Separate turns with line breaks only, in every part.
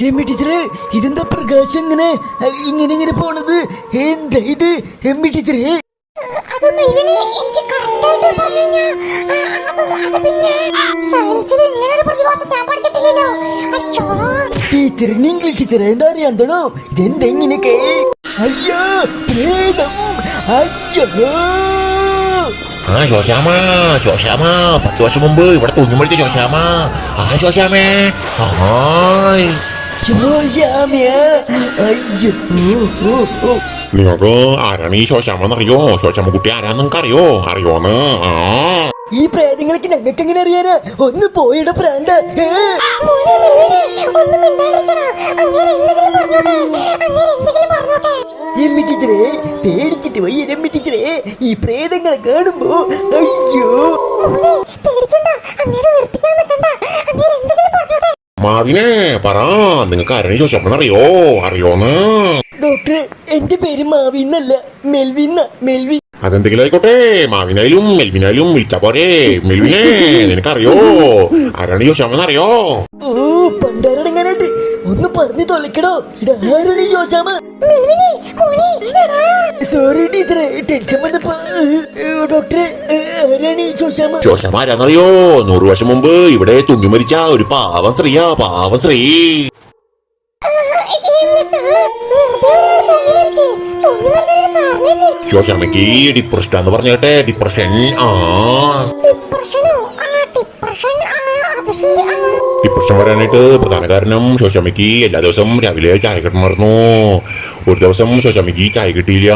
രമ്യ ടീച്ചറെ, ഇതെന്താ പ്രകാശം ഇങ്ങനെ ഇങ്ങനെ ഇങ്ങനെ പോണത്? എന്താ ഇത് രമ്യ ടീച്ചറെ? ടീച്ചറിന് ഇംഗ്ലീഷ് ടീച്ചറെ എന്താ അറിയാന്തണോ? ഇതെന്താ ഇങ്ങനെയൊക്കെ? അയ്യോ പ്രേതം! അയ്യോ
ശോശാമ 10 വർഷം മുമ്പ് ഇവിടെ തുഞ്ഞുമടിച്ച ശോശാമ. ശോശാമേ നിങ്ങൾക്ക് ആരാണ് ഈ ശോശാമെന്നറിയോ? ശോശാമ്മ കുട്ടി ആരാന്ന് നിങ്ങൾക്ക് അറിയോന്ന്?
ഈ പ്രേതങ്ങളൊക്കെ ഞങ്ങൾക്ക് എങ്ങനെ അറിയാനാ? ഒന്ന് പോയിട പ്രാന്ത. രമ്യ ടീച്ചറെ പേടിച്ചിട്ട് പോയി. രമ്യ ടീച്ചറെ ഈ പ്രേതങ്ങളെ കാണുമ്പോ അയ്യോ
മാവിനെ പറ, നിങ്ങൾക്ക് ആരാണ് ഈ ശോശാമെന്നറിയോന്ന്?
ഡോക്ടറെ, എന്റെ പേര് മാവിന്നല്ല, മെൽവിൻ.
അതെന്തെങ്കിലും ആയിക്കോട്ടെ, മാവിനായാലും മെൽവിനായാലും വിളിച്ചാ പോരെ. മെൽവിനെ നിനക്കറിയോ ആരാണ് ഈ ശോശാമെന്നറിയോ?
ഓ പണ്ടാരടങ്ങാനായിട്ട് ഒന്ന് പറഞ്ഞു തൊലക്കടോ. ഇതാരാണ് ഈ ശോശാമ? സോറി ടീച്ചറെ, ടെൻഷൻ വന്നപ്പോ. ഡോക്ടറെ, ആരാണ് ഈ ശോശാമ?
ശോശാമ ആരാന്നറിയോ? 100 വർഷം മുമ്പ് ഇവിടെ തുഞ്ഞുമരിച്ച ഒരു പാവ സ്ത്രീ. ശോശാമയ്ക്ക് ഡിപ്രഷൻ എന്ന് പറഞ്ഞേട്ടെ. ഡിപ്രഷൻ വരാനായിട്ട് പ്രധാന കാരണം ശോശാമയ്ക്ക് എല്ലാ ദിവസവും രാവിലെ ചായ കിട്ടണമായിരുന്നു. ഒരു ദിവസം ശോശാമയ്ക്ക് ചായ കിട്ടിയില്ല.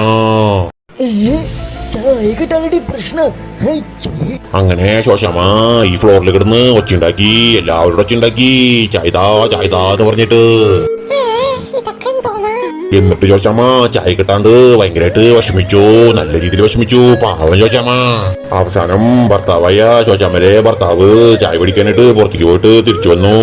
അങ്ങനെ ശോശാമ ഈ ഫ്ലോറിൽ കിടന്ന് ഒച്ചയുണ്ടാക്കി, എല്ലാവരോടും ഒച്ചയുണ്ടാക്കി, ചായതാ എന്ന് പറഞ്ഞിട്ട്. എന്നിട്ട് ശോശാമ ചായ കിട്ടാണ്ട് ഭയങ്കരമായിട്ട് വിഷമിച്ചു, നല്ല രീതിയിൽ വിഷമിച്ചു. പാവം ശോശാമ. അവസാനം ഭർത്താവായ ശോശാമരെ ഭർത്താവ് ചായ പിടിക്കാനായിട്ട് പുറത്തേക്ക് പോയിട്ട് തിരിച്ചു വന്നു.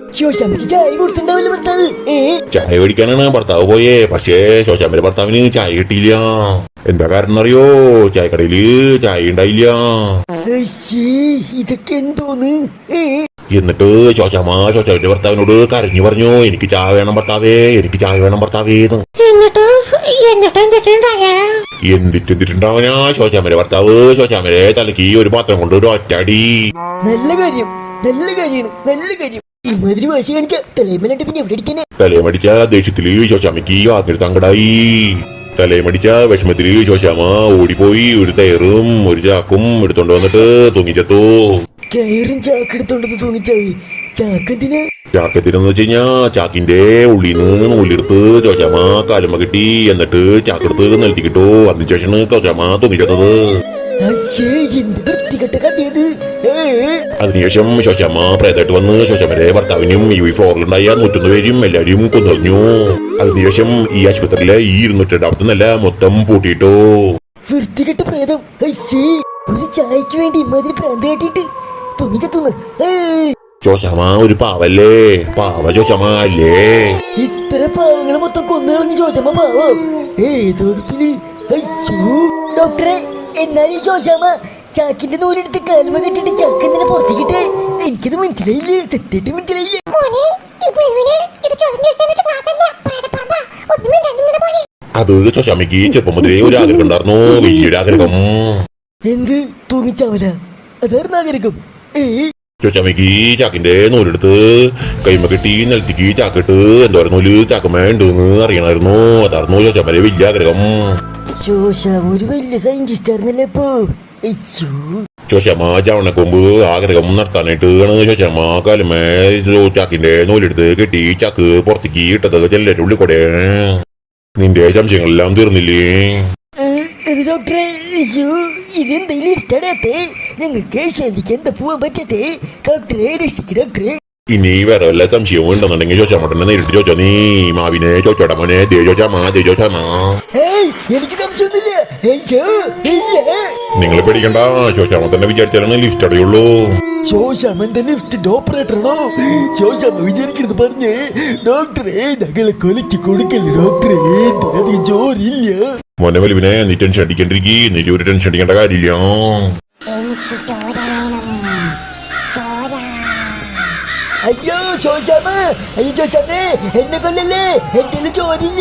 ചായ പിടിക്കാനാണ് ഭർത്താവ് പോയേ. പക്ഷേ ശോശാമരെ ഭർത്താവിന് ചായ കിട്ടിയില്ല. എന്താ കാരണം അറിയോ? ചായക്കടയില് ചായ ഉണ്ടായില്ല.
ഇതൊക്കെ എന്തോന്ന്?
എന്നിട്ട് ശോശാമന്റെ ഭർത്താവിനോട് കരഞ്ഞു പറഞ്ഞു, എനിക്ക് ചായ വേണം ഭർത്താവേ, എനിക്ക് ചായ വേണം ഭർത്താവേ. എന്തിട്ടുണ്ടാവനാ ശോശാമന്റെ ഭർത്താവ് ശോശാമരെ തലക്ക് ഒരു പാത്രം കൊണ്ട് ഒരു ഒറ്റടി.
നല്ല കാര്യം. ഇമാതിരി വാശി കാണിച്ച തലയമല്ലാണ്ട് പിന്നെ എവിടെ അടിക്കാനാ?
തലയമടിച്ച ദേഷ്യത്തില് ശോശാമയ്ക്ക് വാക്കിൽ തങ്കടായി. തലയമടിച്ച വിഷമത്തില് ശോശാമ ഓടിപ്പോയി ഒരു തയറും ഒരു ചാക്കും എടുത്തോണ്ട് വന്നിട്ട് തൂങ്ങിച്ചത്തു.
കയറും ചാക്കെടുത്തോണ്ടെന്ന് തൂങ്ങിച്ചായി. ചാക്കെന്തിനാ?
ചാക്കത്തിനെന്ന് വെച്ച് കഴിഞ്ഞാ ചാക്കിന്റെ ഉള്ളിന്ന് നൂലെടുത്ത് ശോശാമ കാലുമ കിട്ടി. എന്നിട്ട് ചാക്കെടുത്ത് നിലത്തിക്കിട്ടു. അതിനുശേഷമാണ് ശോശാമ തൂങ്ങിച്ചത്. അതിനുശേഷം ശോശാമ പ്രേതമായിട്ട് വന്ന് ശോശാമരെ ഭർത്താവിനും ഈ ഫ്ലോറിലുണ്ടായ 101 പേരും എല്ലാവരും കൊന്നുകളഞ്ഞു. അതിനുശേഷം ഈ ആശുപത്രിയിലെ ഈ 202 നില മൊത്തം പൂട്ടിയിട്ടു.
വൃത്തികെട്ട പ്രേതം. ഒരു ചായക്ക് വേണ്ടി ഇമാതിരി പ്രാന്ത് കാട്ടിട്ട് തുണിച്ചെത്തുന്നു.
ശോശാമ ഒരു പാവല്ലേ? പാവ ശോശാമ അല്ലേ?
ഇത്ര പാവങ്ങളെ മൊത്തം കൊന്നുകളഞ്ഞ് ശോശാമ പാവോ? ഏതോപ്പില്. ഡോക്ടറെ, എന്നാലും ശോശാമ ചാക്കിന്റെ നൂലെടുത്ത് കാലുമ കെട്ടിട്ട് ചാക്കെന്തിനെ പുറത്തേക്കിട്ടെ? എനിക്കത് മനസ്സിലായില്ലേ, തെറ്റിട്ട് മനസ്സിലായില്ലേ?
അത് ശോശാമയ്ക്ക് ചെറുപ്പം മുതലേ ഒരു ആഗ്രഹം ഉണ്ടായിരുന്നു, വലിയൊരു ആഗ്രഹം.
എന്ത്? തൂങ്ങിച്ചാവല? അതായിരുന്നു ആഗ്രഹം.
ശോശാമയ്ക്ക് ചാക്കിന്റെ നൂലെടുത്ത് കൈമ കെട്ടി നിലത്തേക്ക് ചാക്കിട്ട് എന്തോരം നൂല് ചാക്കമ്മ ഉണ്ടെന്ന് അറിയണമായിരുന്നു. അതായിരുന്നു ശോശാമയുടെ വലിയ ആഗ്രഹം.
ശോശാമ ഒരു വലിയ സയന്റിസ്റ്റ് ആയിരുന്നല്ലേ ഇപ്പൊ.
ശോശാമ ചവണക്കൊമ്പ് ആഗ്രഹം നടത്താനായിട്ട് ശോശാമ കാലുമേ ചാക്കിന്റെ നൂലെടുത്ത് കെട്ടി ചാക്ക് പുറത്തേക്ക് ഇട്ടത് ചെല്ലരുടെ ഉള്ളിൽ കൂടെ. നിന്റെ സംശയങ്ങളെല്ലാം തീർന്നില്ലേ?
ഡോക്ടറെ, ഇതെന്തെങ്കിലും ഇഷ്ടടത്തെ? ഞങ്ങൾക്ക് ശരിക്കും എന്താ പോവാൻ പറ്റത്തെ? ഡോക്ടറെ രക്ഷിക്ക് ഡോക്ടറെ.
ഇനി വേറെ വല്ല സംശയവും ഉണ്ടെന്നുണ്ടെങ്കിൽ ശോശാമോട്ടനെ നേരിട്ട് ചോദിച്ചോ. നീ മാവിനെ ചോദിച്ചോടാ മോനെ. ശോശാമ.
എനിക്ക് സംശയമൊന്നുമില്ല.
നിങ്ങൾ പേടിക്കണ്ട, ശോശാമ തന്നെ വിചാരിച്ചാലാണ് ലിഫ്റ്റ് അടയുള്ളൂ.
ശോശാമന്റെ ലിഫ്റ്റിന്റെ ഓപ്പറേറ്ററാണോ? ശോശാമ വിചാരിക്കരുത് പറഞ്ഞേ. ഡോക്ടറെ, ഞങ്ങളെ കൊലക്ക് കൊടുക്കല്ലേ ഡോക്ടറെ, അധികം ജോലിയില്ല.
മോനെ വലിവിനെ, നീ ടെൻഷൻ അടിക്കണ്ടിരിക്കും. നീ ഒരു ടെൻഷൻ അടിക്കേണ്ട കാര്യമില്ല.
അയ്യോ ശോശാമ അയ്യോ ശോശാമേ എന്നെ കൊല്ലല്ലേ എന്റെ ചോരില്ല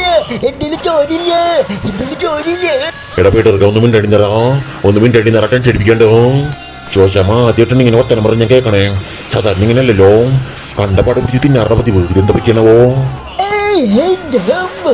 എടാ പീട്ടർക്ക് ഒന്നും മിനിറ്റ് അടി നിറക്കാൻ ചെടിപ്പിക്കണ്ടോ ചോദിച്ചാമ ആദ്യമായിട്ടാണ് ഇങ്ങനെ വർത്തനം പറഞ്ഞ് ഞാൻ കേൾക്കണേ സാധാരണ ഇങ്ങനെയല്ലല്ലോ കണ്ടപാട് പിടിച്ച് തിന്നാറുടെ പതിവ് ഇതെന്താ പറ്റിയാണവോ
എന്റെ അമ്മ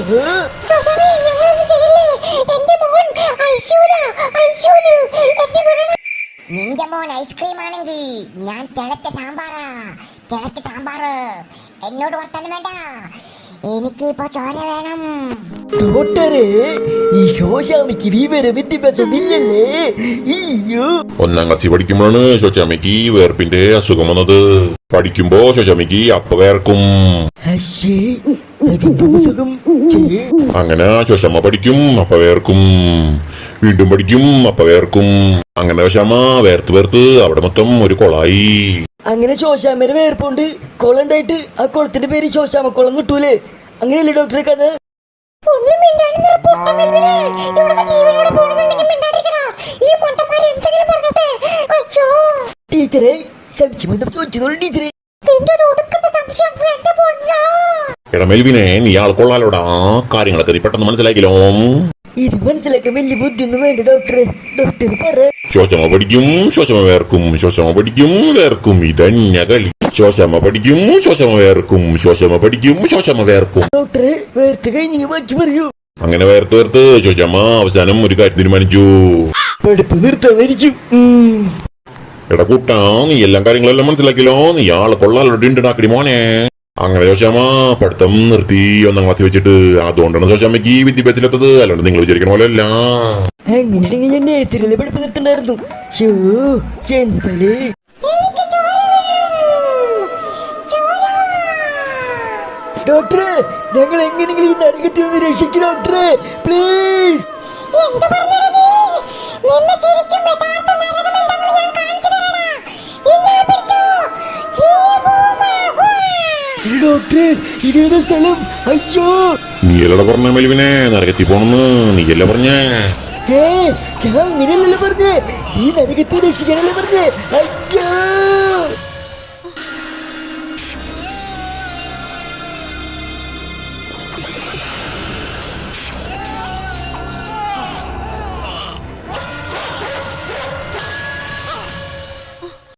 നിന്റെ മോൻ ഐസ്ക്രീം ആണെങ്കിൽ ഞാൻ തിളച്ച സാമ്പാറ് എന്നോട് വർത്താനം വേണ്ട എനിക്ക് ഇപ്പൊ ചോര വേണം.
ഡോക്ടറെ ഈ ശോശാമിക്ക് വിവര വിദ്യാഭ്യാസം ഇല്ലല്ലേ? അയ്യോ
1ാം ക്ലാസ്സിൽ പഠിക്കുമ്പോഴാണ് ശോശാമ്മയ്ക്ക് വേർപ്പിന്റെ അസുഖം വന്നത്. പഠിക്കുമ്പോ ശോശാമ്മയ്ക്ക് അപ്പ വേർക്കും.
അശ്ശേ അതിന്റെ സുഖം
അങ്ങനെ ശോശാമ്മ പഠിക്കും അപ്പ വേർക്കും, വീണ്ടും പഠിക്കും അപ്പ വേർക്കും. അങ്ങനെ ശോശാമ്മ വേർത്ത് അവിടെ മൊത്തം ഒരു കൊളായി.
അങ്ങനെ ശോശാമ്മയുടെ വേർപ്പുണ്ട് കുളണ്ടായിട്ട് ആ കുളത്തിന്റെ പേര് ശോശാമ കുളം കിട്ടൂലേ? അങ്ങനെയല്ലേ ഡോക്ടറെ കഥ? ടീച്ചറെ സംശയം ചോദിച്ചതോളൂ ടീച്ചറെ.
എടാ മെൽവിനെ നീ ആൾക്കൊള്ളാലോടാ, കാര്യങ്ങളൊക്കെ നീ പെട്ടെന്ന് മനസ്സിലാക്കിയല്ലോ.
ഇത് മനസ്സിലാക്കാൻ വലിയ ബുദ്ധിയൊന്നും വേണ്ട ഡോക്ടറെ. ഡോക്ടർ പറ.
ശോശാമ്മ പഠിക്കും ശോശാമ്മ വേർക്കും, ശോശാമ്മ പഠിക്കും വേർക്കും, ഇതന്നെ കളി. ശോശാമ്മ പഠിക്കും ശോശാമ്മ വേർക്കും, ശോശാമ്മ പഠിക്കും ശോശാമ്മ വേർക്കും.
ഡോക്ടറെ വേർത്ത് കഴിഞ്ഞ് ബാക്കി പറയൂ.
അങ്ങനെ വേർത്ത് ശോശാമ്മ അവസാനം ഒരു കാര്യം തീരുമാനിച്ചു.
പഠിപ്പ് നിർത്താതായിരിക്കും.
എടാ കൂട്ടാ നീ എല്ലാം കാര്യങ്ങളെല്ലാം മനസ്സിലാക്കിയല്ലോ, നീ ആളെ കൊള്ളാലോണ്ടാക്കടി മോനെ. അങ്ങനെ ശോശാമ്മ പഠിത്തം നിർത്തി 1ാം ക്ലാസ്സിൽ വെച്ചിട്ട്. അതുകൊണ്ടാണ് ശോശാമ്മയ്ക്ക് വിദ്യാഭ്യാസത്തിലെത്തത്, അല്ലാണ്ട് നിങ്ങൾ വിചാരിക്കണ പോലെ അല്ല.
അങ്ങനെയാണെങ്കിൽ ഞാൻ നേരത്തിലല്ലേ പഠിപ്പ് നിർത്തണ്ടായിരുന്നു. എന്തായാലേ ഡോക്ടറെ ഞങ്ങൾ എങ്ങനെയെങ്കിലും ഈ നരകത്തിൽ നിന്ന് രക്ഷിക്കും ഡോക്ടറെ, പ്ലീസ്. ഡോക്ടറെ ഇതേതാ സ്ഥലം? അയ്യോ
നീയല്ലട പറഞ്ഞ മെൽവിനെ നരകത്തിൽ പോണെന്ന്, നീയല്ല പറഞ്ഞേ.
ഞാൻ അങ്ങനെയല്ലല്ലോ പറഞ്ഞേ, ഈ നരകത്തെ രക്ഷിക്കാനല്ലേ പറഞ്ഞേ. അയ്യോ